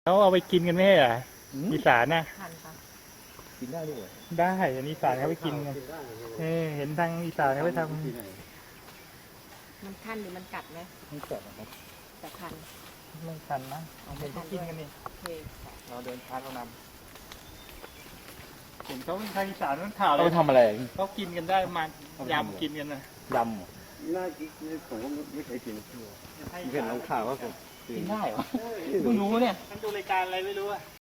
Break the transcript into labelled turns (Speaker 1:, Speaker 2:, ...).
Speaker 1: เขาเอาไปกินกันไม่ใช่เหรออีสานนะ
Speaker 2: ทันค่ะ
Speaker 3: กินได้ด้วย
Speaker 1: ได้อันนี้อีสานเขาไปกินกันเห็นทางอีสานเขาไปทำ
Speaker 2: มันคันหรือมันกัดไหม
Speaker 3: ไม่เกิดนะครับ
Speaker 2: แต่คัน
Speaker 1: ไม่ทันนะเอาไปกินกันนี่
Speaker 2: โอเคค่ะ
Speaker 1: เราเดินทางเรานำเห็นเขาทางอีสานมันข่าวเล
Speaker 3: เอา
Speaker 1: ย
Speaker 3: ไปทำอะไร
Speaker 1: เขากินกันได้มายำกินกันนะ
Speaker 3: ยำเหรอ
Speaker 4: น่ากินผมก็ไม่เคยกิน
Speaker 1: ให้
Speaker 4: เห็นลงข่าวว่าผม
Speaker 3: กินได้เหรอ
Speaker 1: เพิ่งรู้เนี่ยมันดูรายการอะไรไม่รู้อะ